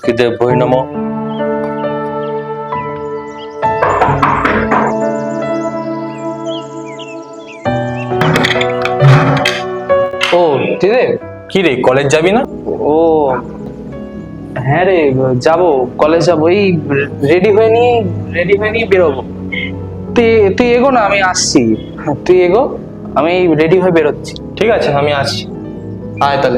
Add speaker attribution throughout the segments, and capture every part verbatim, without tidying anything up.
Speaker 1: বাসুকিদেব ভৈ নমঃ।
Speaker 2: ও দিদি,
Speaker 1: কি রে, কলেজ যাবি না?
Speaker 2: ও হ্যাঁ রে, যাবো, কলেজ যাবো। এই রেডি হয়ে নিয়ে রেডি হয়ে নিয়ে বেরোবো। তুই তুই এগো না, আমি আসছি। তুই এগো, আমি রেডি হয়ে বেরোচ্ছি।
Speaker 1: ঠিক আছে, আমি আসছি।
Speaker 2: আয় তাহলে।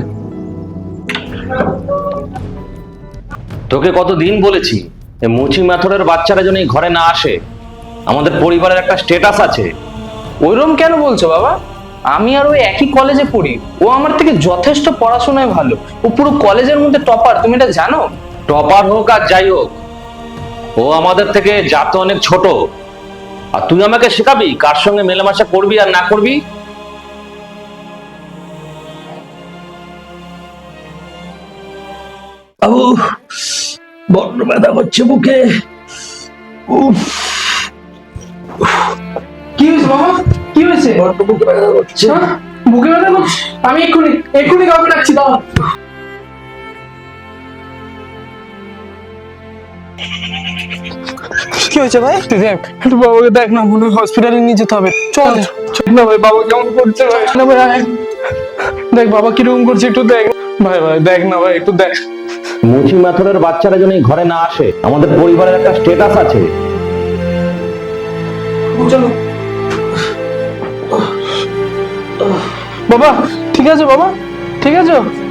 Speaker 3: তোকে কতদিন বলেছি যে মুচি মাথরের বাচ্চারা যেন এই ঘরে না আসে, আমাদের পরিবারের একটা স্ট্যাটাস আছে।
Speaker 2: ওইরকম কেন বলছো বাবা? আমি আর ওই একই কলেজে পড়ি। ও আমার থেকে যথেষ্ট পড়াশোনায় ভালো। ও পুরো কলেজের মধ্যে টপার, তুমি এটা জানো?
Speaker 3: টপার হোক আর যাই হোক, ও আমাদের থেকে জাতে অনেক ছোট। আর তুই আমাকে শেখাবি কার সঙ্গে মেলামেশা করবি আর না করবি?
Speaker 4: বাবু, বড্ড ব্যথা করছে বুকে। উফ,
Speaker 2: কি হয়েছে বাবা? কি হয়েছে?
Speaker 4: বড্ড বুকে ব্যথা করছে।
Speaker 2: হ্যাঁ? বুকে ব্যথা করছে? আমি এক্ষুনি এক্ষুনি কাউকে ডাকছি, দাও।
Speaker 5: কি হয়েছে ভাই?
Speaker 2: তুই দেখ, একটু বাবাকে দেখ না, মনে হয় হসপিটালে নিয়ে যেতে হবে। চল চল না ভাই, বাবা কেমন করছে ভাই? না ভাই, আয়। দেখ বাবা কিরকম করছে, একটু দেখ ভাই। ভাই দেখ না ভাই, একটু দেখ।
Speaker 3: মুচি মাথরের বাচ্চারা যেন এই ঘরে না আসে, আমাদের পরিবারের একটা স্ট্যাটাস আছে।
Speaker 2: চলো বাবা, ঠিক আছে বাবা, ঠিক আছে।